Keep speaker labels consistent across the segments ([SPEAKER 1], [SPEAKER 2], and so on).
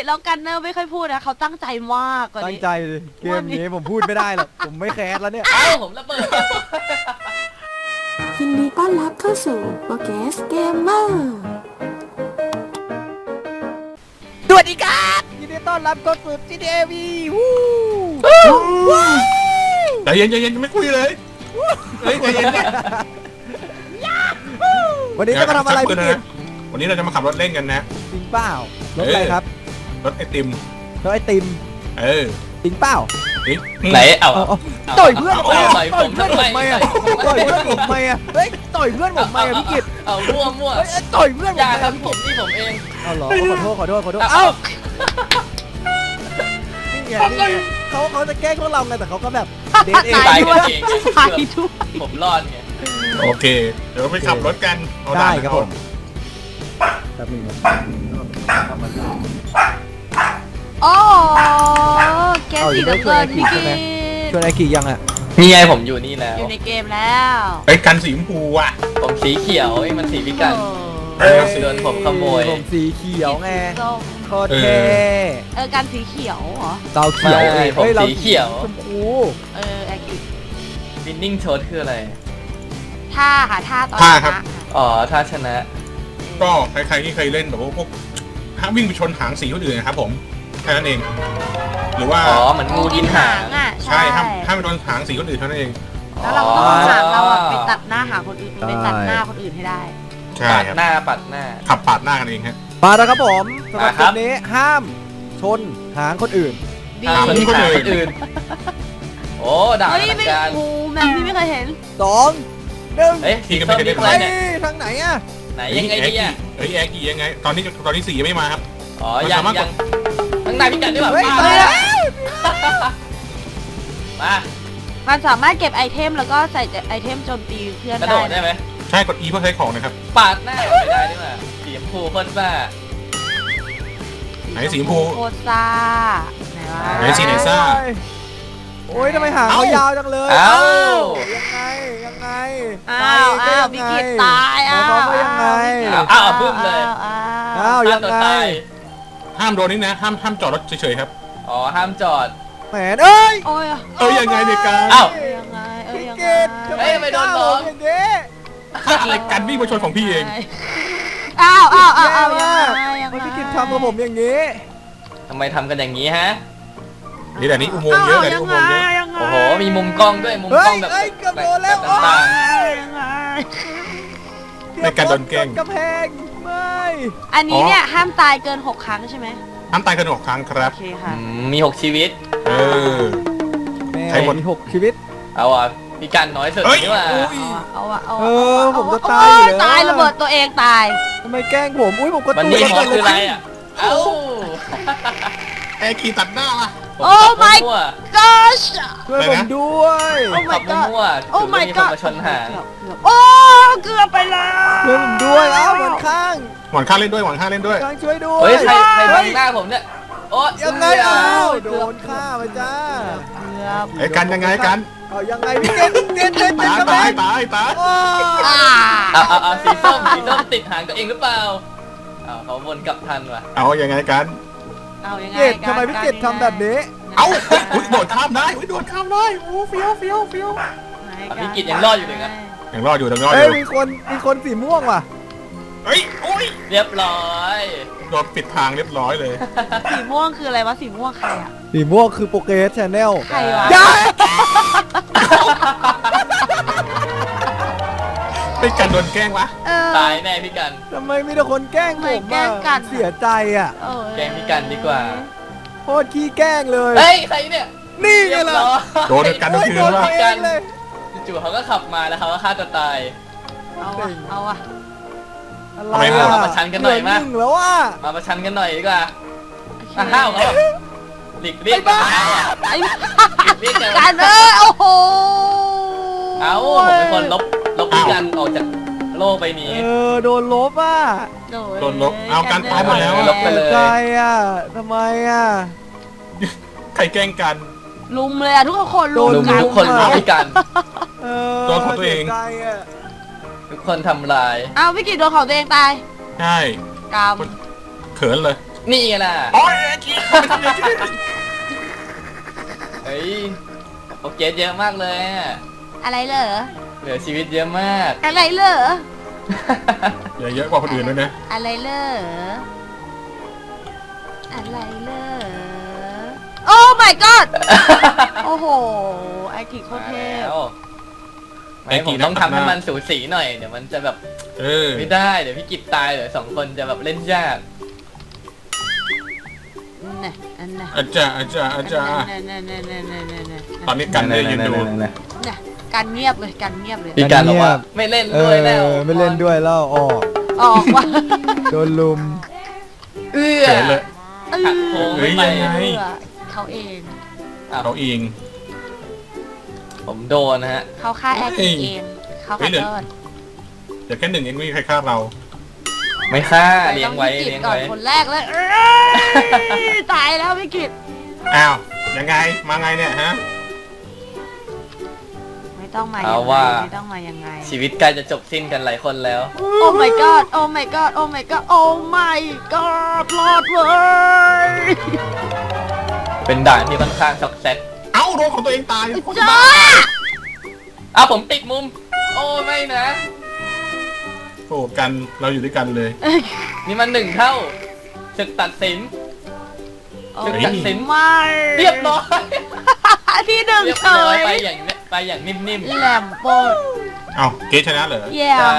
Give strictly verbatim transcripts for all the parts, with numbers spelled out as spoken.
[SPEAKER 1] แล้วกันเนอร์ไม่ค่อยพูดนะเขาตั้งใจมากกว่า
[SPEAKER 2] ตั้ง
[SPEAKER 1] นี้
[SPEAKER 2] ใจเลยเกมนี้ผมพูดไม่ได้หรอกผมไม่แคสแล้วเนี่ย
[SPEAKER 3] เอ้าผมระเบิด
[SPEAKER 4] ยินดีต้อนรับเข้าสู่โปรแกสเกมเมอร์
[SPEAKER 2] สวัสดีครับยินดีต้อนรับเข้าสู่ จี ที เอ วี วู้
[SPEAKER 5] ใจเย็นใจเย็นไม่คุยเลยเฮ้ยใจเย็นเนี่ย
[SPEAKER 2] วันนี้จะมาทำอะไรพี่กิต
[SPEAKER 5] วันนี้เราจะมาขับรถเล่นกันนะ
[SPEAKER 2] จริงเปล่ารถอะไรครับ
[SPEAKER 5] รถไอติม
[SPEAKER 2] รถไอติม
[SPEAKER 5] เออ
[SPEAKER 2] จริงเปล่า
[SPEAKER 3] ไหนเอา
[SPEAKER 2] เอาเอาต่อยเพื่อนผม
[SPEAKER 3] ต่อยผม
[SPEAKER 2] ต่อยเพื่อนผม
[SPEAKER 3] ทำไม
[SPEAKER 2] ไหมอะต่อยเพื่อนผมไหมอะเฮ้ยต่อยเพื่อนผมไหมอะพี่กิต
[SPEAKER 3] เอามั่วมั่ว
[SPEAKER 2] เฮ้ยต่อยเพื่อนผม
[SPEAKER 3] อย่า
[SPEAKER 2] ไหม
[SPEAKER 3] ทำผมนี่ผมเอง
[SPEAKER 2] เอาเหรอขอโทษขอโทษขอโทษ
[SPEAKER 3] เอ้า
[SPEAKER 2] เอ้านี่ไงนี่ไงเขาเขาจะแกล้งพวกเราไงแต่เขาก็แบบเดทเอง
[SPEAKER 3] ตายกันเอง
[SPEAKER 1] ตายด้วย
[SPEAKER 3] ผมรอดไง
[SPEAKER 5] โอเค เดี๋ยวไปขับรถกันเอา
[SPEAKER 2] ได้ครับผม
[SPEAKER 5] เอา
[SPEAKER 2] แป๊บนึง
[SPEAKER 1] โอ้เกมสีน้ำเงินพี่กิต
[SPEAKER 2] ชวนไอขี่ยังอะ
[SPEAKER 3] นี่ไงผมอยู่นี่แล้ว
[SPEAKER 1] อยู่ในเกมแล้ว
[SPEAKER 5] ไปกันสีชมพูอ่ะ
[SPEAKER 3] ผมสีเขียวไอ้มันสีพิการ
[SPEAKER 1] เออ
[SPEAKER 3] เสือนผมขโมย
[SPEAKER 2] ผมสีเขียวไง
[SPEAKER 1] ส้ม
[SPEAKER 2] โคตรเท่
[SPEAKER 1] เออการสีเขียวเหรอ
[SPEAKER 2] เราเขียว
[SPEAKER 3] ไม่ผม
[SPEAKER 2] ฮ้รา
[SPEAKER 3] สีเขียว
[SPEAKER 2] ชมพู
[SPEAKER 1] เออแอคทีฟ
[SPEAKER 3] วินนิ่งโชดคืออะไร
[SPEAKER 1] ท่าค่ะท่าตอน
[SPEAKER 5] ท่า
[SPEAKER 1] ช
[SPEAKER 5] ครับ
[SPEAKER 1] นะ
[SPEAKER 3] อ๋อถ้าชนะ
[SPEAKER 5] ก็ใครๆที่เคยเล่นแบบว่าพวกห้ามวิ่งไปชนหางสีคนอื่นนะครับผมแค่นั้นเอง หรือว่า
[SPEAKER 3] อ๋อเหมือนงูกินหาง
[SPEAKER 1] อ่ะ
[SPEAKER 5] ใช่ห้ามห้ามไปโดนหางสีคนอื่นเท่านั้นเอง
[SPEAKER 1] แล้วเราก็ต้องเอาหางเราอะไปตัดหน้าหางคนอื่นไปตัดหน้าคนอื่นให้ได้
[SPEAKER 5] ใช่
[SPEAKER 3] ปัด
[SPEAKER 5] ครับ
[SPEAKER 3] หน้าปัดหน้า
[SPEAKER 5] ขับปาดหน้ากันเองฮะ
[SPEAKER 2] มาแล้วครับผมสำหรับ
[SPEAKER 3] มา
[SPEAKER 2] เก
[SPEAKER 3] ครับ
[SPEAKER 2] มนี้ห้ามชนหางคนอื่น
[SPEAKER 1] ดี
[SPEAKER 3] หาง
[SPEAKER 5] คน
[SPEAKER 3] คน
[SPEAKER 5] อื่น
[SPEAKER 3] อื่น โอ้ด่า
[SPEAKER 1] เฮ้ย
[SPEAKER 3] ทาง
[SPEAKER 1] ไม่
[SPEAKER 3] การ
[SPEAKER 1] โอ้แม่พี่ไม่เคยเห็น
[SPEAKER 2] สองหนึ่ง
[SPEAKER 3] เอ้ยสีส้มนี่
[SPEAKER 2] ไป
[SPEAKER 3] อะไรเนี่ย
[SPEAKER 2] ทางไหนอะ
[SPEAKER 3] ไหนยังไงดีอ่ะ
[SPEAKER 5] เฮ้ยแอร์กี่ยังไง ตอนนี้ตอนนี้สียังไม่มาครับ
[SPEAKER 3] อ๋อยังยังข้างในพี่กันได้แบบ
[SPEAKER 2] เฮ้ย
[SPEAKER 3] มา
[SPEAKER 2] ไปแล้ว
[SPEAKER 3] มา
[SPEAKER 1] มันสามารถเก็บไอเทมแล้วก็ใส่ไอเทมโจมตีเพื่อน
[SPEAKER 3] กระโด
[SPEAKER 1] ได้
[SPEAKER 3] ดได้ไหม
[SPEAKER 5] ใช่กด E เพื่อใช้ของนะครับ
[SPEAKER 3] ปาดหน้าไม่ได้ด้วยว่ะสีชมพูโคนบ้า
[SPEAKER 5] ไหนสีชมพู
[SPEAKER 1] โคตรซ่าไหนวะ
[SPEAKER 5] ไหนสีไหนซ่า
[SPEAKER 2] โอ้ยทำไมหาง
[SPEAKER 5] เอ้า
[SPEAKER 2] เขายาวจังเลย
[SPEAKER 3] เอ้า
[SPEAKER 2] ยังไงยังไง
[SPEAKER 1] อ้าว
[SPEAKER 2] ไป
[SPEAKER 1] อ้าว
[SPEAKER 2] ก็
[SPEAKER 1] พี่
[SPEAKER 2] ยังไง
[SPEAKER 1] กิตตายอ้าว
[SPEAKER 2] หมายความว่ายังไง
[SPEAKER 3] อ้าวอ้าวบึ้มเลย
[SPEAKER 1] อ้าว
[SPEAKER 2] อ้าวยัง
[SPEAKER 3] ฆ่ตัว
[SPEAKER 2] ไง
[SPEAKER 3] ตาย
[SPEAKER 5] ห้ามโดนนี่นะห้ามห้ามจอดรถเฉยๆครับ
[SPEAKER 3] อ๋อห้ามจอด
[SPEAKER 2] แหมเอ้ย
[SPEAKER 1] โอ้ย
[SPEAKER 5] เอ้ยยังไงเนี่ยการ
[SPEAKER 3] อ้าว
[SPEAKER 1] เอ้ยยังไงเอ้ย
[SPEAKER 2] พี่
[SPEAKER 1] ยัง
[SPEAKER 2] เก
[SPEAKER 1] ไง
[SPEAKER 2] ดทำไม
[SPEAKER 3] เอ้ยทำไมโดน
[SPEAKER 2] กล้า
[SPEAKER 3] น้อง
[SPEAKER 2] ผมอย่างนี้
[SPEAKER 5] อะไรกันวิ่งมาชนของพี่เอง
[SPEAKER 1] อ้าวอ้าวอ้าวอ้าว
[SPEAKER 2] แย่
[SPEAKER 1] ยัง
[SPEAKER 2] มาก
[SPEAKER 1] ไงยัง
[SPEAKER 2] ทำไม
[SPEAKER 1] ไง
[SPEAKER 2] พี่กิดทำกับผมอย่างนี้
[SPEAKER 3] ทำไมทำกันอย่างนี้ฮะ
[SPEAKER 5] นี่แต่นี้อุโมงค์เยอะแต่นี้อุโมงค์เยอะ
[SPEAKER 1] ยังไง
[SPEAKER 3] โอ้โหมีมุมกล้องด้วยมุม
[SPEAKER 2] เฮ้
[SPEAKER 3] กล้อย งแบบ
[SPEAKER 2] เฮ้ยเกือบโดนแล้ว
[SPEAKER 3] บบต่าง
[SPEAKER 1] ยังไง
[SPEAKER 5] ไม่การโดนแกล้ง
[SPEAKER 2] กำแพงไม่
[SPEAKER 1] อันนี้เนี่ยห้ามตายเกินหกครั้งใช่ไหม
[SPEAKER 5] ห้ามตายกันหกครั้งครับ
[SPEAKER 1] โอเค
[SPEAKER 3] ๆ
[SPEAKER 1] ค่ะ
[SPEAKER 3] อืมมีหกชีวิต
[SPEAKER 5] เออ
[SPEAKER 2] แม่
[SPEAKER 5] ใครหมด
[SPEAKER 2] มีหกชีวิต
[SPEAKER 3] เอาอ่ะพี่กันน้อยสุด
[SPEAKER 5] เฮ้ย
[SPEAKER 3] นี่ว่า
[SPEAKER 2] อุ้ย
[SPEAKER 1] เอาอะเอา
[SPEAKER 2] เอ
[SPEAKER 1] อะ
[SPEAKER 2] อผมจะ
[SPEAKER 1] เอ
[SPEAKER 2] ตายอยู่
[SPEAKER 1] โ
[SPEAKER 2] แล้ว
[SPEAKER 1] ตายระเบิดตัวเองตาย
[SPEAKER 2] ทำไมแกล้งผมอุ้ยผมก็
[SPEAKER 3] มัน
[SPEAKER 2] ตู
[SPEAKER 3] นี่
[SPEAKER 2] ด
[SPEAKER 3] หมอคืออะไรอ่ะ เอ้า
[SPEAKER 5] แอร์ขี่ตัดหน้าล่ะ
[SPEAKER 3] ผม
[SPEAKER 1] โอ้
[SPEAKER 3] ขับ
[SPEAKER 1] my
[SPEAKER 3] มั่ว
[SPEAKER 1] gosh
[SPEAKER 2] ช่วยผมด้วย
[SPEAKER 1] โอ้
[SPEAKER 3] ขั
[SPEAKER 1] my
[SPEAKER 3] บ
[SPEAKER 1] god
[SPEAKER 3] มั่ว
[SPEAKER 1] โอ้
[SPEAKER 3] ถือว่า
[SPEAKER 1] my
[SPEAKER 3] มีคน
[SPEAKER 1] god
[SPEAKER 3] มาชนหาง
[SPEAKER 1] เกือบเกือบโอ้เกือบไปแล้ว
[SPEAKER 2] ช่วยผมด้วยเอ้าหมอนข้าง
[SPEAKER 5] หวานข้างเล่นด้วยหวานข้างเล่นด้วย
[SPEAKER 2] ข้างช่วยด้วย
[SPEAKER 3] เฮ้ยใครใครบั
[SPEAKER 2] เฮ้
[SPEAKER 3] ง
[SPEAKER 2] ย
[SPEAKER 3] หน้าผมเนี่ย โอ้
[SPEAKER 2] ยังไง
[SPEAKER 3] เอ้
[SPEAKER 2] เอ้า
[SPEAKER 3] า
[SPEAKER 2] โดนฆ่าไปจ้า
[SPEAKER 1] เกือบ
[SPEAKER 5] ไอ้กันยังไงกัน
[SPEAKER 2] เอายังไงพี่เกดเกดเกด
[SPEAKER 5] ตาย
[SPEAKER 2] กำแพ
[SPEAKER 5] ตาย
[SPEAKER 2] ง
[SPEAKER 5] ตายตาย
[SPEAKER 2] โอ้
[SPEAKER 1] อ่า
[SPEAKER 3] เอาเอาเอาสีส้มสีส้มติดหางตัวเองหรือเปล่าเอาเขาวนกลับทันว่ะ
[SPEAKER 5] เอายังไงกัน
[SPEAKER 1] เอายังไง
[SPEAKER 2] เกดทำไมพี่เกดทำแบบนี้
[SPEAKER 5] เอาอุ้ยโดดข้ามได้อุ้ยโดดข้ามได้โอ้เฟี้ยวเฟี้ยวเฟี้ยว
[SPEAKER 3] อ่ะพี่กิตยังรอดอยู่เลยนะ
[SPEAKER 5] ยังรอดอยู่ยังรอดอ
[SPEAKER 2] เอ้ย
[SPEAKER 5] ยู่
[SPEAKER 2] มีคนมีคนสีม่วงว่ะ
[SPEAKER 5] เฮ้ยโอ้ย
[SPEAKER 3] เรียบร้อย
[SPEAKER 5] โดนปิดทางเรียบร้อยเลย
[SPEAKER 1] สีม่วงคืออะไรวะสีม่วงใครอะ
[SPEAKER 2] สีม่วงคือโปเกสชาแนล
[SPEAKER 1] ใครวะ
[SPEAKER 2] อย่า
[SPEAKER 5] เป็นการโดนแกล้งวะ
[SPEAKER 1] เออ
[SPEAKER 3] ตายแน่พี่กัน
[SPEAKER 2] ทำไมมีแต่คนแกล้งผ
[SPEAKER 1] ทำไม
[SPEAKER 2] ม
[SPEAKER 1] แกล้งกัน
[SPEAKER 2] เสียใจอ่ะ
[SPEAKER 1] เออ
[SPEAKER 3] แกล้งพี่กันดีกว่า
[SPEAKER 2] โคตรขี้แกล้งเลย
[SPEAKER 3] เฮ้ยใครเนี่ย
[SPEAKER 2] นี่ไง
[SPEAKER 3] เรียบ
[SPEAKER 2] ล่ะ
[SPEAKER 3] ร้อย
[SPEAKER 5] โดนกัน
[SPEAKER 2] โอ้ย
[SPEAKER 5] คืน
[SPEAKER 2] โดน
[SPEAKER 5] ว่า
[SPEAKER 2] ตัวเองเลย
[SPEAKER 3] จู่ๆเขาก็ขับมาแล้วเขาก็ฆ่าตัวตาย
[SPEAKER 1] เอาอะเอาอะ
[SPEAKER 2] อะไร
[SPEAKER 5] ทำไม
[SPEAKER 2] อ่ะ
[SPEAKER 3] มาประชันกันหน่อยมา
[SPEAKER 2] เหลืหงแล้วอ่ะ
[SPEAKER 3] มาประชันกันหน่อยดีกว่าอ่ะห้าวเขาแบบหลีกเลี่ยงกันห้าวอ่ะ
[SPEAKER 1] ไอ้
[SPEAKER 3] หลีกเลี่ยงกัน
[SPEAKER 1] การเออโอ้โห
[SPEAKER 3] เอ้าผมเป็นคนลบลบพี่กันออกจากโลกใบนี้
[SPEAKER 2] เออโดนลบอ่ะ
[SPEAKER 5] โดนลบเอาการตายหมดแล้ว
[SPEAKER 3] ลบไปเลย
[SPEAKER 2] สีใจอ่ะทำไมอ่ะ
[SPEAKER 5] ใครแกล้งกัน
[SPEAKER 1] ลุมเลยอะทุกคนลุม
[SPEAKER 3] ลุม
[SPEAKER 1] กัน
[SPEAKER 3] ทุกคนลุมพี่กัน
[SPEAKER 2] เออ
[SPEAKER 5] โดนของตัวเอง
[SPEAKER 2] สีใจอ่ะ
[SPEAKER 3] ทุกคนทำลาย
[SPEAKER 1] เอาพี่กิตโดนของตัวเองตาย
[SPEAKER 5] ใช่
[SPEAKER 1] กรรม
[SPEAKER 5] เขินเลย
[SPEAKER 3] นี่ไงล่ะ
[SPEAKER 5] โอ้ยแอกิไม่ทำอย่างนี้
[SPEAKER 3] เฮ้ยโอเคเยอะมากเลยอะ
[SPEAKER 1] อะไรเหรอ
[SPEAKER 3] เหลือชีวิตเยอะมาก
[SPEAKER 1] อะไรเหรอ
[SPEAKER 5] อย่าเยอะกว่าคนอื่นด้วยนะ
[SPEAKER 1] อะไรเหรออะไรเหรอโอ้ my god โอ้โหไอกิโคตรเทพ
[SPEAKER 3] แล้วไม่ผมต้องทำให้มันสูสีหน่อยเดี๋ยวมันจะแบบ
[SPEAKER 5] เออ
[SPEAKER 3] ไม่ได้เดี๋ยวพี่กิตตายเดี๋ยวสองคนจะแบบเล่นยาก
[SPEAKER 1] น่ะอันน่ะ
[SPEAKER 5] อาจารย์อาจารย์อาจารย์
[SPEAKER 1] น่ะน่ะน่ะน่ะน่ะน่ะน่ะ
[SPEAKER 5] ตอนนี้กันเลยยืนดู
[SPEAKER 1] น่ะการเงียบเลยการเงียบเลย
[SPEAKER 3] พี่การบอกว่าไม่เล่น
[SPEAKER 2] เอ
[SPEAKER 3] ด้วยแล้ว
[SPEAKER 2] อไม่เล่นด้วยแล้วออก
[SPEAKER 1] ออกว่า
[SPEAKER 2] โดนลุม
[SPEAKER 3] เอื้อ
[SPEAKER 5] เฉยเลย
[SPEAKER 1] เออ
[SPEAKER 3] หักโค้ง
[SPEAKER 5] เฮ้
[SPEAKER 3] ไม่
[SPEAKER 5] ย
[SPEAKER 3] ไป
[SPEAKER 5] ยังไง
[SPEAKER 1] เขาเอง
[SPEAKER 5] เราเอง
[SPEAKER 3] ผมโดนนะฮะ
[SPEAKER 1] เขาฆ่าแอร์กิเองเขา
[SPEAKER 5] เฮ้
[SPEAKER 1] ขอย
[SPEAKER 5] เหลือ
[SPEAKER 1] โทษ
[SPEAKER 5] เดี๋ยวแค่หนึ่งเองไม่มีใครฆ่าเรา
[SPEAKER 3] ไม่ฆ่าเลี้ยงไว้
[SPEAKER 1] ต้องพี่กิ
[SPEAKER 3] เลี้ย
[SPEAKER 1] ต
[SPEAKER 3] ง
[SPEAKER 1] ก่อน
[SPEAKER 3] ไว้
[SPEAKER 1] คนแรกเลยเอ้ยตายแล้วพี่กิต
[SPEAKER 5] อ้าวยังไงมาไงเนี่ยฮะ
[SPEAKER 1] ไม่ต้องมา
[SPEAKER 3] เอา
[SPEAKER 1] ยังไง
[SPEAKER 3] ว่า
[SPEAKER 1] ไม่ต้องมายังไง
[SPEAKER 3] ชีวิตใกล้จะจบสิ้นกันหลายคนแล้ว
[SPEAKER 1] โอ้ my god โอ้ my god โอ้ my god โอ้ my god รอดเว้ย
[SPEAKER 3] เป็นด่านที่ค่อนข้างช็อกแซก
[SPEAKER 5] เอ้าโดนของตัวเองตาย
[SPEAKER 1] จ้า
[SPEAKER 3] อ้าวผมติดมุม โอ้ไม่นะ
[SPEAKER 5] โอ้กันเราอยู่ด้วยกันเลย
[SPEAKER 3] นี่มันหนึ่งเท่าศึกตัดสิน
[SPEAKER 1] โอ้
[SPEAKER 3] ศึกตัดสิน
[SPEAKER 1] ไม่
[SPEAKER 3] เรียบร้อย
[SPEAKER 1] ที่หนึ่ง
[SPEAKER 3] เรียบ
[SPEAKER 1] เฉ
[SPEAKER 3] ร้อย
[SPEAKER 1] ย
[SPEAKER 3] ไปอย่างเนี้ยไปอย่างนิ่ม
[SPEAKER 1] แหลมโปด
[SPEAKER 5] เอ้าเกชชนะเหรอ
[SPEAKER 1] แย่
[SPEAKER 3] ๆใช่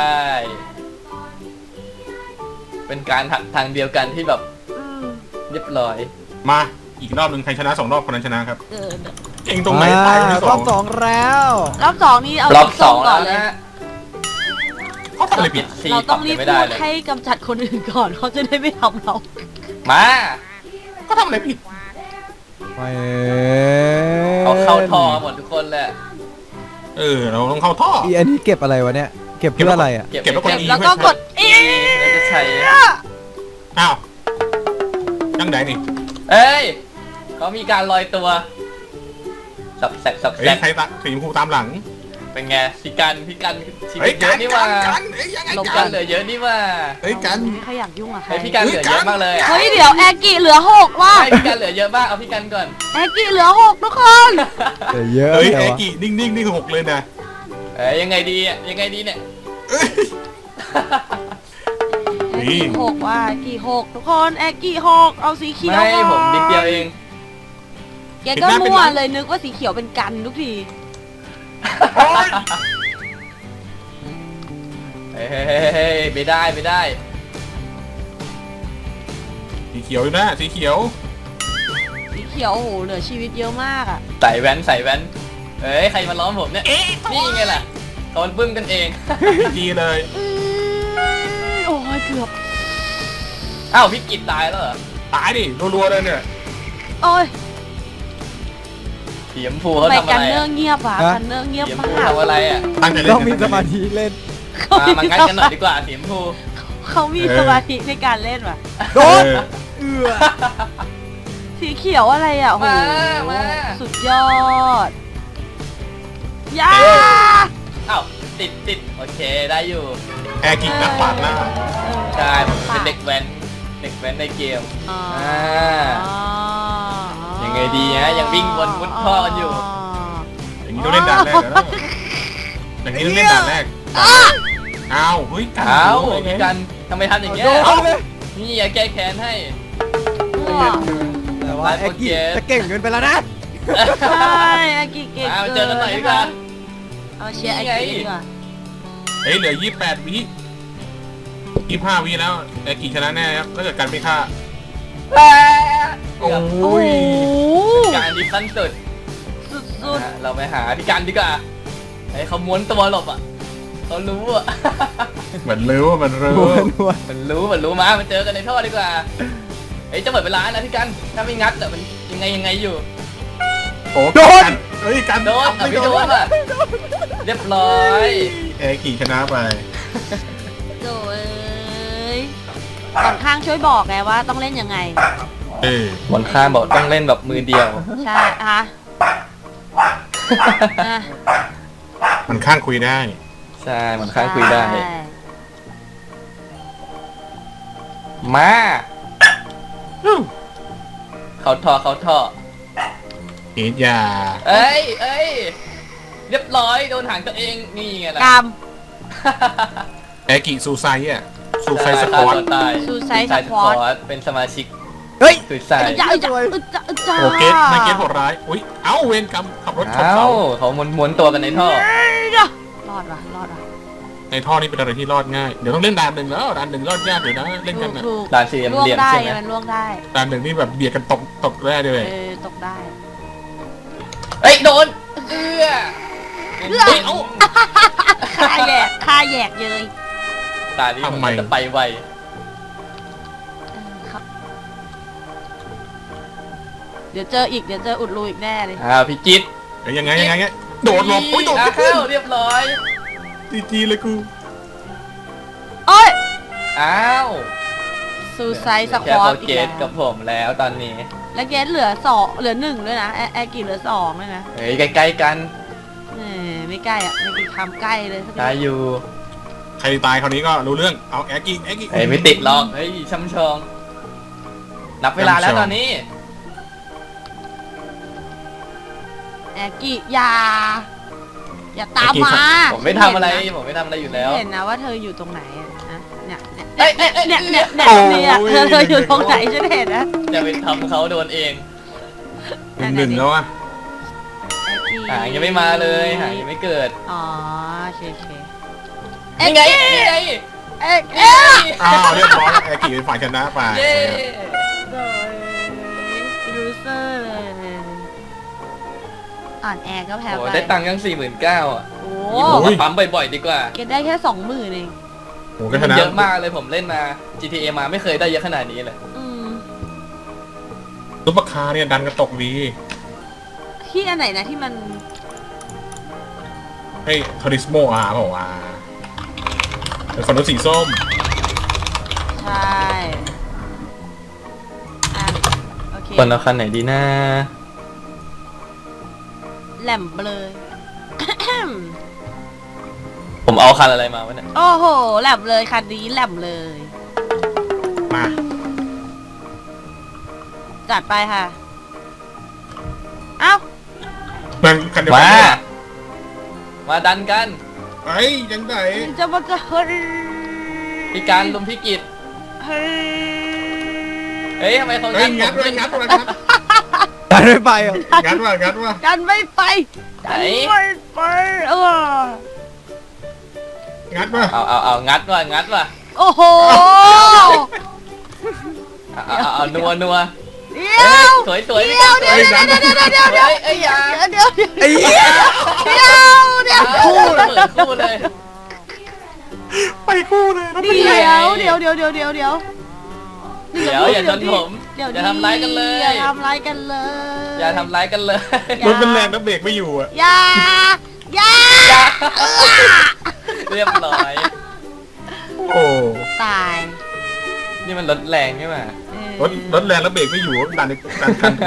[SPEAKER 3] เป็นการหักทางเดียวกันที่แบบ
[SPEAKER 1] อืม
[SPEAKER 3] เรียบร้อย
[SPEAKER 5] มาอีกรอบหนึ่งใครชนะสองรอบคนนั้นชนะครับ
[SPEAKER 1] เออ
[SPEAKER 5] เก่งตรงไหนตายคนที่ส
[SPEAKER 2] ร
[SPEAKER 5] อ
[SPEAKER 2] อง บสองแล้ว
[SPEAKER 1] รอบสองนี่เอา
[SPEAKER 3] รอบสอง
[SPEAKER 1] ก่
[SPEAKER 3] แล้
[SPEAKER 1] อ
[SPEAKER 3] วน
[SPEAKER 1] เลย
[SPEAKER 3] นะฮะ
[SPEAKER 5] เขาทำอะไรผิด
[SPEAKER 3] สี่
[SPEAKER 1] เราต้องรีบ
[SPEAKER 3] ไม่
[SPEAKER 1] พู
[SPEAKER 3] ได้
[SPEAKER 1] ด
[SPEAKER 3] เลย
[SPEAKER 1] ให้กำจัดคนอื่นก่อนเขาจะได้ไม่ทำเรา
[SPEAKER 3] มา
[SPEAKER 5] เขาทำอะไรผิด
[SPEAKER 2] ไม่
[SPEAKER 3] เขาเข้าทอหมดทุกคนเลย
[SPEAKER 5] เออเราต้องเข้าท่อ
[SPEAKER 2] อีอันนี้เก็บอะไรวะเนี่ย เก็บเพื่ออะไรอ่ะ
[SPEAKER 3] เก็บ
[SPEAKER 5] เก็บแล้วกด E
[SPEAKER 1] แล้วก็กดอี
[SPEAKER 3] แล้วจะใช้
[SPEAKER 5] อ้าวตั้งไหนนี่
[SPEAKER 3] เอ้ยเขามีการลอยตัว สับแสกสับ
[SPEAKER 5] เฮ้
[SPEAKER 3] แส
[SPEAKER 5] ย
[SPEAKER 3] ก
[SPEAKER 5] ใครตะสีชมพูตามหลัง
[SPEAKER 3] เป็นไงพี่กันพี่กันชีวิ
[SPEAKER 5] เฮ้ย
[SPEAKER 3] ตเย
[SPEAKER 5] กั
[SPEAKER 3] อะ
[SPEAKER 5] น
[SPEAKER 3] นี่
[SPEAKER 5] กั
[SPEAKER 3] ว่าน
[SPEAKER 5] กันเฮ้ยยังไง
[SPEAKER 3] ลง
[SPEAKER 5] กั
[SPEAKER 3] กัน นเหลือเยอะนี่ว่า
[SPEAKER 5] เฮ้ยกัน
[SPEAKER 1] ไม่ค่อยอยากยุ่งกับใคร
[SPEAKER 3] เฮ้ยพี่กันเหลือเยอะมากเลยอะ
[SPEAKER 1] เฮ้ยเดี๋ยวแอร์กิเหลือหกว่ะ
[SPEAKER 3] ใช่พี่กันเหลือเยอะมากเอาพี่กันก่อน
[SPEAKER 1] แอร์กิเหลือหกทุกคน
[SPEAKER 2] เดี๋ยวเยอะ
[SPEAKER 5] เฮ้ย
[SPEAKER 2] แต่
[SPEAKER 5] ไอ้
[SPEAKER 2] ว่า
[SPEAKER 5] กี่นิ่งๆนี่คือหกเลยนะ
[SPEAKER 3] เอ้ยยังไงดีอ่ะยังไงดีเนี่ย
[SPEAKER 5] เอ้ย
[SPEAKER 1] แอร์กิหกว่ะแอร์กิหกทุกคนแอร์กิหกเอาสีเขียว
[SPEAKER 3] ไม่
[SPEAKER 1] ก่อน
[SPEAKER 3] ผมนิดเดียวเอง
[SPEAKER 1] แกก็มั่วเลยนึกว่าสีเขียวเป็นกันทุกที
[SPEAKER 5] โอ๊ย
[SPEAKER 3] เฮ้ยเฮ้ยเฮ้ยเฮ้ยไม่ได้ไม่ได้
[SPEAKER 5] สีเขียวอยู่นะสีเขียว
[SPEAKER 1] สีเขียวโอ้โหเหลือชีวิตเยอะมากอ่ะ
[SPEAKER 3] ใส่แว่นใส่แว่นเอ้ยใครมาล้อมผมเนี่ยนี่ไงล่ะเขาบึ้มกันเอง
[SPEAKER 5] ดีเลย
[SPEAKER 1] อื้อโอ้ยเกือบ
[SPEAKER 3] อ้าวพี่กิตตายแล้วเหรอ
[SPEAKER 5] ตายดิรัวๆเลยเนี่ย
[SPEAKER 1] โอ้ย
[SPEAKER 3] สีชมพูเขา
[SPEAKER 1] ทำไม
[SPEAKER 3] ทำอะ
[SPEAKER 1] กัน
[SPEAKER 3] ไร
[SPEAKER 1] เนื้อ
[SPEAKER 3] อะ
[SPEAKER 1] เงียบอ่ะกันเนื้อเงียบ
[SPEAKER 3] สีชม
[SPEAKER 1] มา
[SPEAKER 3] พู
[SPEAKER 1] ก
[SPEAKER 3] ทำอะไรอ่ะ
[SPEAKER 5] ตั้งใจเล่น
[SPEAKER 2] ต้องมีสมาธิเล่น
[SPEAKER 3] มามางัดกันหน่อยดีกว่าสีชมพู
[SPEAKER 1] เขามีสมาธิในการเล่นว่ะ
[SPEAKER 2] โด
[SPEAKER 5] เอน อ
[SPEAKER 2] เอือ
[SPEAKER 1] สีเขียวอะไรอ่ะโอ้โห
[SPEAKER 3] มามา
[SPEAKER 1] สุดยอดยา
[SPEAKER 3] อ้าวติดติดโอเคได้อยู่
[SPEAKER 5] แอร์กิกนักปาดหน้า
[SPEAKER 3] ใช่ผมเป็นเด็กแว้นเด็กแว้นในเกม
[SPEAKER 1] อ่า
[SPEAKER 3] อ่า ยังไงดีฮะยังวิ่งวนมุดท่อกันอยู่
[SPEAKER 5] อย่างนี้ต้องเล่นด่านแรกแล้วอย่างนี้ต้องเล่นด่านแรกอ้าวเฮ้ยกัน
[SPEAKER 3] อ้าว
[SPEAKER 5] โอ้โห
[SPEAKER 3] พี่กันทำไมทำอย่างเงี้ย
[SPEAKER 2] โดนเลย
[SPEAKER 3] นี่อย่าแก้แค้นให้
[SPEAKER 2] แต่ว่าแอ็กกี้จะเก่งเกินไปแล้วนะ
[SPEAKER 1] ใช่อากิเก่ง
[SPEAKER 3] มามาเจอกันหน่อยดีกว่า
[SPEAKER 1] เอาเชียร์อากิดีกว่า
[SPEAKER 5] เฮ้ยเหลือยี่สิบแปดวิยี่สิบห้าวิแล้วแอร์กิชนะแน่ครับถ้าเกิดกันไม่ฆ่าโอ้
[SPEAKER 1] โอ้
[SPEAKER 5] ย
[SPEAKER 1] โห
[SPEAKER 3] การดีสั้นสุด
[SPEAKER 1] สุด
[SPEAKER 3] อ่ะเราไปหาพี่กันดีกว่าให้เขาม้วนตัวหลบอ่ะเขารู้อ่ะ
[SPEAKER 5] เหมือนรู้ว่ามันรู้
[SPEAKER 2] วนวน
[SPEAKER 3] มันรู้มันรู้มามาเจอกันในท่อดีกว่าเฮ้ยจะหมดเวลานะพี่กันถ้าไม่งัดแต่มันยังไงยังไงอยู่
[SPEAKER 5] โอ้กันเฮ้ยกัน
[SPEAKER 3] โดน
[SPEAKER 5] ไม่
[SPEAKER 3] ไม่โดนอ่ะเรียบร้อย
[SPEAKER 5] แอร์กิชนะไป
[SPEAKER 1] ๆโดยก่อนข้างช่วยบอกไงว่าต้องเล่นยังไง
[SPEAKER 5] เออบ
[SPEAKER 3] นข้างบอกต้องเล่นแบบมือเดียว
[SPEAKER 1] ใช่ฮะอ่ะ
[SPEAKER 5] มันข้างคุยได้
[SPEAKER 3] ใช่บนข้างคุยได้
[SPEAKER 1] ใช่
[SPEAKER 3] มาเขาท่อเขาท่อ
[SPEAKER 5] เอ็ดยา
[SPEAKER 3] เอ้ยเอ้ยเรียบร้อยโดนหางตัวเองนี่ไงล่ะ
[SPEAKER 1] กรรม
[SPEAKER 5] แอกิซูไซอ่ะซูไซสปอร์ต
[SPEAKER 3] ตาย
[SPEAKER 1] Suicide
[SPEAKER 3] Suicide
[SPEAKER 1] Squad
[SPEAKER 3] Squad เป็นสมาชิก
[SPEAKER 2] เฮ้ย
[SPEAKER 3] สุดใส่
[SPEAKER 1] อึจ้าอึจ้าอึจ้าอึจ้า
[SPEAKER 5] โอเกตไม่เกตโหดร้ายอุ้ยเอ้าเวรกรรมขับรถชน
[SPEAKER 3] เอ้า
[SPEAKER 5] เสา
[SPEAKER 3] เขาม้วนม้วนตัวกันในท่อ
[SPEAKER 1] รอดว่ะรอดว่ะ
[SPEAKER 5] ในท่อนี่เป็นอะไรที่รอดง่ายเดี๋ยวต้องเล่นด่านหนึ่งแล้วด่านหนึ่งรอดยากเดี๋ยวนะเล่น
[SPEAKER 1] ถู
[SPEAKER 5] กัน
[SPEAKER 1] ก
[SPEAKER 5] นะ
[SPEAKER 1] ถูก
[SPEAKER 3] ด่านสี่เหลี่ยม
[SPEAKER 1] ล่วงได้
[SPEAKER 3] ใช่ไหม
[SPEAKER 1] มันล่วงได้
[SPEAKER 5] ด่านหนึ่งนี่แบบเบียดกันตกตกแร่เลย
[SPEAKER 1] เออตกได้
[SPEAKER 3] เอ้ยโดนเอื้อ
[SPEAKER 1] เอื้อ
[SPEAKER 3] เฮ้ยเอ้า
[SPEAKER 1] ค่าแยกค่าแยกเยย
[SPEAKER 3] ตานี้มันจะไปไว
[SPEAKER 1] เออครับเดี๋ยวเจออีกเดี๋ยวเจออุดรูอีกแน่เลย
[SPEAKER 3] อ้าวพี่จิต
[SPEAKER 5] เดี๋ยวยังไงยังไงเนี่ยโดดหลบอุ้ยโดด
[SPEAKER 3] อ้า
[SPEAKER 5] ไม่ขึ้น
[SPEAKER 3] วเรียบร้อย
[SPEAKER 5] จีจีเลยกู
[SPEAKER 1] โอ้ย
[SPEAKER 3] อ้าว
[SPEAKER 1] ซูไซส
[SPEAKER 3] แค่
[SPEAKER 1] ควอ
[SPEAKER 3] โป
[SPEAKER 1] ต
[SPEAKER 3] ร
[SPEAKER 1] อีก
[SPEAKER 3] เก
[SPEAKER 1] แล้
[SPEAKER 3] ต
[SPEAKER 1] ว
[SPEAKER 3] กับผมแล้วตอนนี้
[SPEAKER 1] แล้วเกสเหลือสองเหลือหนึ่งด้วยนะแอแอร์กี่เหลือสองเลยนะ
[SPEAKER 3] เฮ้ยใกล้ๆกัน
[SPEAKER 1] เออไม่ใกล้อ่ะไม่กี่คำใกล้เลยสัก
[SPEAKER 3] ตาย
[SPEAKER 1] นิด
[SPEAKER 3] อยู่
[SPEAKER 5] ใครตายคราวนี้ก็รู้เรื่องเอาแอกิแอกิ
[SPEAKER 3] เฮ้ยไม่ติดหรอกเฮ้ยช่ำชอง นับเวลาแล้วตอนนี้
[SPEAKER 1] แอร์กี่อย่าอย่าตามมา
[SPEAKER 3] ผมไม่ทำอะไรผมไม่ทำอะไรอยู่แล้ว
[SPEAKER 1] เห็นนะว่าเธออยู่ตรงไหนอะนะเนี่ยเนี่ย
[SPEAKER 3] เอ้ยเอ้ยเอ้ย
[SPEAKER 1] เนี่ยเนี่ยเนี่ยเนี่ยเธอเธออยู่ตรงไหนฉันเห็นนะ
[SPEAKER 3] จะไปทำเขาโดนเอง
[SPEAKER 5] หนึ่งหนึ่งแล้วอ่ะ
[SPEAKER 3] หางยังไม่มาเลยหางยังไม่เกิด
[SPEAKER 1] อ๋อโอเคโอเค
[SPEAKER 3] นี่ไงนี่ไง
[SPEAKER 1] เอ็กเอ็ก
[SPEAKER 5] อ้าวเรียบร้อยแอกิเป็นฝ่ายชนะไป
[SPEAKER 3] เย้
[SPEAKER 1] รูเซอร์เลยอ่อนแอก็แพ้
[SPEAKER 3] โอ้
[SPEAKER 1] ไป
[SPEAKER 3] ได้ตังค์ยังสี่หมื่นเก้าอ่ะ
[SPEAKER 1] โอ้
[SPEAKER 3] นี่ผมมาปั๊มบ่อยๆดีกว่า
[SPEAKER 1] เก็บได้แค่สองหมื่นเอง
[SPEAKER 5] โอ้ก็ช
[SPEAKER 3] มัน
[SPEAKER 5] นะ
[SPEAKER 3] เยอะมากเลยผมเล่นมา จี ที เอ มาไม่เคยได้เยอะขนาดนี้เลย
[SPEAKER 1] อืม
[SPEAKER 5] ซุปเปอร์คาร์เนี่ยดันกระตกดี
[SPEAKER 1] ที่อันไหนนะที่มัน
[SPEAKER 5] ให้ทอริสโมอาร์บอกว่าเป็นคนรถสีส้ม
[SPEAKER 1] ใช่อ่ะโอเค
[SPEAKER 3] คนเอาคันไหนดีนะ
[SPEAKER 1] แหลมเบลย
[SPEAKER 3] ผมเอาคันอะไรมาวะเนี่ย
[SPEAKER 1] โอ้โหแหลมเลยคันนี้แหลมเลย
[SPEAKER 5] มา
[SPEAKER 1] จัดไปค่ะ เอ้า
[SPEAKER 5] มันคันเดียวกั
[SPEAKER 3] มา
[SPEAKER 5] นเนี่ย
[SPEAKER 3] มาดันกัน
[SPEAKER 5] ไอ้ยยังไง
[SPEAKER 1] จะมาจะเฮ้ย
[SPEAKER 3] พี่การลุมพี่กิจ
[SPEAKER 1] เฮ้ย
[SPEAKER 3] เฮ้ยทำไมเขา
[SPEAKER 5] เฮ้
[SPEAKER 3] งั
[SPEAKER 5] ย
[SPEAKER 3] ดผ
[SPEAKER 5] งัด
[SPEAKER 3] ม
[SPEAKER 5] ว่ะ
[SPEAKER 3] ขึ้น
[SPEAKER 5] งัดว่ะงัด
[SPEAKER 2] ตัดไม่ไปเหรอ
[SPEAKER 5] งัดว่ะงัดว่ะ
[SPEAKER 1] กันไม่ไป
[SPEAKER 3] ไหน
[SPEAKER 1] กันไม่ไปเออ
[SPEAKER 5] งัดว่ะ
[SPEAKER 3] เอาเอาเอางัดว่ะงัดว่ะ
[SPEAKER 1] โอ้โห
[SPEAKER 3] เอาเอาเอาเอานัวนัว
[SPEAKER 1] เดี๋
[SPEAKER 3] เฮ้
[SPEAKER 1] ย
[SPEAKER 3] ยว สวยสวยพี่
[SPEAKER 1] เดี๋
[SPEAKER 3] กาย ร
[SPEAKER 1] ว
[SPEAKER 3] สวย
[SPEAKER 1] เดี๋ยวเดี๋ยวเดี๋ยวเดี๋ยวเดี๋ยว
[SPEAKER 3] เฮ้ยเอ้ยอย่า
[SPEAKER 1] เดี๋ยวเดี๋ยว
[SPEAKER 2] ไอ้เหี้ย
[SPEAKER 1] เดี๋ยวเดี๋ยว
[SPEAKER 3] คู่เลยเหมือนคู่เลย
[SPEAKER 5] ไปคู่เลยนะ
[SPEAKER 1] เดี๋ยวเดี๋ยวเดี๋ยวเดี๋ยวเดี๋ยวเดี๋ยว
[SPEAKER 3] เดี๋ยวอย่าชนผม
[SPEAKER 1] เดี๋ยว
[SPEAKER 3] อย่าทำร้ายกันเลย
[SPEAKER 1] อย่าทำร้ายกันเลย
[SPEAKER 3] อย่าทำร้ายกันเลย
[SPEAKER 5] รถเป็นแรงแล้วเบรกไม่อยู่อ่ะ
[SPEAKER 1] อย่าอย่า
[SPEAKER 3] อย่าเรียบร้อย
[SPEAKER 5] โอ้
[SPEAKER 1] ตาย
[SPEAKER 3] นี่มันรถแรงใช่ไหม
[SPEAKER 1] เออ
[SPEAKER 5] รถรถแรงแล้วเบรกไม่อยู่ดันดันคัน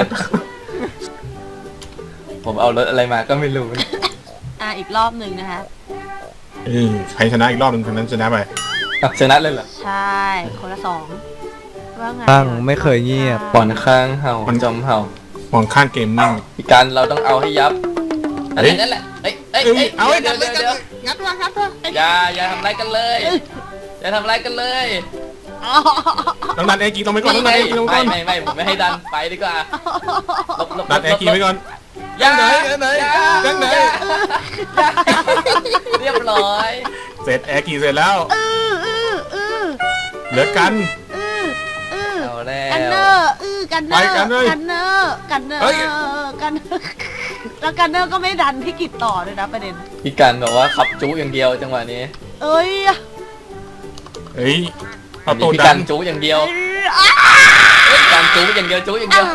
[SPEAKER 3] ผมเอารถอะไรมาก็ไม่รู้
[SPEAKER 1] อ่ะอีกรอบหนึ่งนะคะ
[SPEAKER 5] เออใครชนะอีกรอบหนึ่งคนนั้นชนะไป
[SPEAKER 3] อ่ะชนะเลยเหรอ
[SPEAKER 1] ใช่คนละสองว่าไง
[SPEAKER 2] ตั้งไม่เคยเงียบ
[SPEAKER 3] ป่อนข้างเห่าจอมเห่าม
[SPEAKER 5] องข้างเกมมิ่ง
[SPEAKER 3] พี่การเราต้องเอาให้ยับนั่นแห
[SPEAKER 5] เฮ้
[SPEAKER 3] ละ
[SPEAKER 5] ย
[SPEAKER 3] นั่นแหละเอ้ยเอ้ย
[SPEAKER 5] เอ้ย
[SPEAKER 3] เอ้ย
[SPEAKER 5] เอา
[SPEAKER 3] เดี๋ยว
[SPEAKER 5] งั
[SPEAKER 3] เดี๋
[SPEAKER 5] ด
[SPEAKER 3] ยว
[SPEAKER 5] เลย
[SPEAKER 3] เดี๋ยว
[SPEAKER 5] งัดว่ะงัดว่ะ
[SPEAKER 3] อย่าอย่าทำร้ายกันเลยอย่าทำร้ายกันเลย
[SPEAKER 1] อ๋อ
[SPEAKER 5] ต้องดันแอร์กีต้องไปก่อนต้องดันแอร์กีต้องไป
[SPEAKER 3] ไม่
[SPEAKER 5] ก่อน
[SPEAKER 3] ไม่ไม่ผมไม่ให้ดันไปดีกว่าหลบหลบหล
[SPEAKER 5] ดั
[SPEAKER 3] บ
[SPEAKER 5] นแอร์กีไว้ก่อน
[SPEAKER 3] อย่า
[SPEAKER 5] ดันไหนดันไหน
[SPEAKER 3] อย่า
[SPEAKER 5] ดันไหน
[SPEAKER 3] อย่าเรียบร้อย
[SPEAKER 5] เสร็จแอร์กีเสร็จแล้ว
[SPEAKER 1] เออเออเออ
[SPEAKER 5] เหลือกัน
[SPEAKER 1] เออเออ
[SPEAKER 3] เอาแล้
[SPEAKER 1] กันเน
[SPEAKER 3] ว
[SPEAKER 1] อร์เออกันเนอ
[SPEAKER 5] ไป
[SPEAKER 1] ร์
[SPEAKER 5] กันเลย
[SPEAKER 1] กันเนอร์กันเนอ
[SPEAKER 5] เฮ้ย
[SPEAKER 1] ร์กันเนอร์แล้วกันเนอร์ก็ไม่ดันพี่กิจต่อเลยนะประเด็น
[SPEAKER 3] พี่การบอกว่าขับจุอย่างเดียวจังหวะนี้
[SPEAKER 1] เอ้ย
[SPEAKER 5] เฮ้ย
[SPEAKER 3] อั
[SPEAKER 5] เอา
[SPEAKER 3] น
[SPEAKER 5] ตั
[SPEAKER 3] นี้
[SPEAKER 5] ว
[SPEAKER 3] พี่
[SPEAKER 5] ดั
[SPEAKER 3] กาน รจุอย่างเดียว
[SPEAKER 1] เอ้ยอ้า
[SPEAKER 3] พี่การจุอย่างเดียวจุอย่างเดียว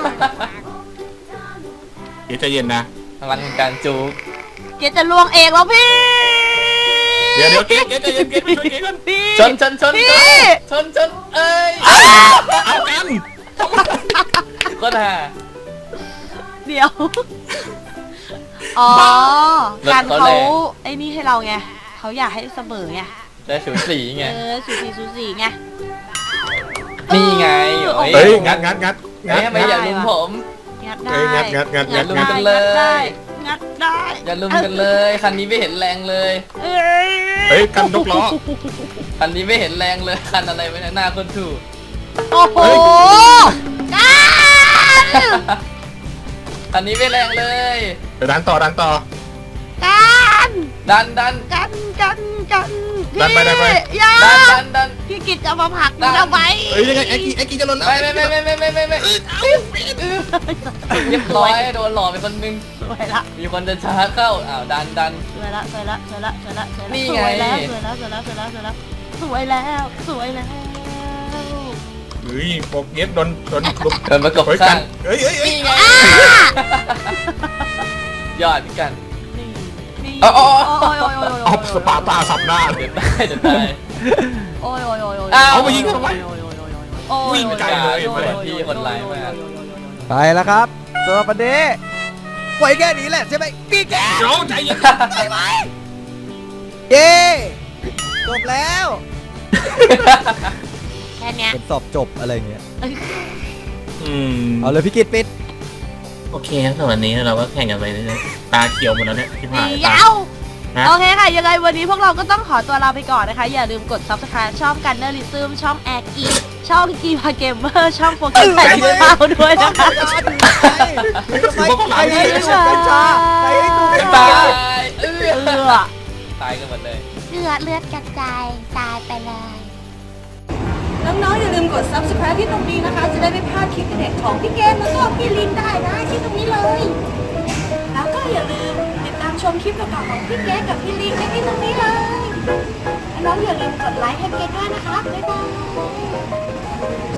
[SPEAKER 5] เดี๋ยวใจเย็นนะ
[SPEAKER 3] พลังของการจุ
[SPEAKER 1] เกจจะลวงเองแล้วพี่
[SPEAKER 5] เดี๋ยวเดี๋ยวเกตเกตใจเย็นเกตไปช่วยเกตก่อน
[SPEAKER 1] พี่
[SPEAKER 3] ชนชนชน
[SPEAKER 1] พี่
[SPEAKER 3] ชนชนเอ้ย
[SPEAKER 5] เอากัน
[SPEAKER 3] ก็ท่า
[SPEAKER 1] เดี๋ยว อ๋อ
[SPEAKER 3] รถ
[SPEAKER 1] การ
[SPEAKER 3] เขา
[SPEAKER 1] เขา
[SPEAKER 3] แรง
[SPEAKER 1] ไอ้นี่ให้เราไงเขาอยากให้เสมอไง
[SPEAKER 3] ได้สูสีไง
[SPEAKER 1] เออสูสีสูสีไง
[SPEAKER 3] นี่ไง
[SPEAKER 1] โอ้
[SPEAKER 5] เฮ้ยงัดงัดงัด
[SPEAKER 3] เฮ้ยทำไมอย่าลุมผม
[SPEAKER 1] งัดได้
[SPEAKER 5] เฮ้ยงัดงัดงัดงัด
[SPEAKER 3] ลุม
[SPEAKER 5] งัด
[SPEAKER 3] กันเลย
[SPEAKER 1] งัดได้
[SPEAKER 3] อย่าลุมกันเลยคันนี้ไม่เห็นแรงเลย
[SPEAKER 1] เอ้ย
[SPEAKER 5] เฮ้ยกันนกล้อ
[SPEAKER 3] คันนี้ไม่เห็นแรงเลยคันอะไรไว้หน้าคนถูก
[SPEAKER 1] โอ้โหกัน
[SPEAKER 3] คันนี้ไม่แรงเลย
[SPEAKER 5] เดี๋ยวดันต่อดันต่อ
[SPEAKER 1] กัน
[SPEAKER 3] ดันดัน
[SPEAKER 1] กันกันกัน
[SPEAKER 5] ดันไปดันไป
[SPEAKER 1] พี่อย่า
[SPEAKER 3] ดันดันดัน
[SPEAKER 1] พี่กิจจะมาผลักห
[SPEAKER 3] ดั
[SPEAKER 1] นู
[SPEAKER 3] น
[SPEAKER 1] ทำไม
[SPEAKER 5] เฮ้ยยังไงไอ้กีไอ้กีจะหล่นแล้ว
[SPEAKER 3] ไม่ไม่ไม่ไม่ไม่ไม่ไม่ไม่เรียบร้อยโดนหลอกไปคนนึง
[SPEAKER 1] สวยละ
[SPEAKER 3] มีคนจะชาร์จเข้าอ้าวดันดัน
[SPEAKER 1] สวยละสวยละสวยละสวยละสวยละ
[SPEAKER 3] นี่
[SPEAKER 1] ส
[SPEAKER 3] ไง
[SPEAKER 1] วยแล้วสวยแล้วสวยแล้วสวยแล้วสวยแล้วสวยแล้วสวยแล้ว
[SPEAKER 5] เฮ้ยโปรเกสโดนโดนกลุ่ม
[SPEAKER 3] เดินประกบ
[SPEAKER 5] เฮ้ยกั
[SPEAKER 3] ข้าน ง
[SPEAKER 5] เฮ้ยเฮ้ยเฮ้ย
[SPEAKER 3] นี่ไงยอดพี่กัน
[SPEAKER 1] นี่นี่
[SPEAKER 3] อ๋ออ๋อ
[SPEAKER 1] โอ้ยโอ้ยโอ้ยโอ้ย
[SPEAKER 5] เอาสปาร์ตาสับหน้า
[SPEAKER 3] เดี๋ยวตายเดี๋ยวตาย
[SPEAKER 1] โอ้ยโอ้ยโอ้ยโอ้ย
[SPEAKER 3] อ้าว
[SPEAKER 5] เอามายิงทำไม
[SPEAKER 1] โอ้ย
[SPEAKER 5] วิ่งไกลเลย
[SPEAKER 1] โอ้โอ้โอ้
[SPEAKER 3] พี่คนร้ายมาก
[SPEAKER 2] ไปแล้วครับตัวประเดี๋ยวปล่อยแค่นี้แหละใช่ไหมพี่แก
[SPEAKER 5] เดี๋ยวใจเย็น
[SPEAKER 2] เย้จบแล้ว
[SPEAKER 1] แค่เนี้ย
[SPEAKER 2] เป็นสอบจบอะไรเงี้ย
[SPEAKER 5] อืม
[SPEAKER 2] เอาเลยพี่กิตปิด
[SPEAKER 5] โอเคครับสำหรับวันนี้เราก็แข่งกันไปเรื่อยๆตาเขียวหมดแล้วเนี่ยที่ผ่าน
[SPEAKER 1] เดี๋ยว
[SPEAKER 5] ฮะ
[SPEAKER 1] โอเคค่ะ ยังไงวันนี้พวกเราก็ต้องขอตัวลาไปก่อนนะคะ อย่าลืมกด ซับสไครบ์ ช่องกันเนอร์ลิซึมช่องแอร์กีช่องกีพาเกมเมอร์ช่องโฟกัสไทยเป้าด้วยนะคะ
[SPEAKER 2] ใครให้ดูกัญชาใครให้ดูกัญ
[SPEAKER 3] ตา
[SPEAKER 2] ชาย
[SPEAKER 3] เอ
[SPEAKER 1] เอ
[SPEAKER 3] อ
[SPEAKER 1] อ
[SPEAKER 3] ตายกันหมดเลย
[SPEAKER 6] เลือดเลือดกระจายตายไปเลย
[SPEAKER 7] น้องๆอย่าลืมกด ซับสไครบ์ ที่ตรงนี้นะคะ จะได้ไม่พลาดคลิปเด็ดของพี่เกมแล้วก็พี่ลินได้นะที่ตรงนี้เลย แล้วก็อย่าลืมติดตามชมคลิปเก่าๆของพี่เกมกับพี่ลินได้ที่ตรงนี้เลยน้องๆอย่าลืมกดไลค์ให้เกมด้วยนะคะบ๊ายบาย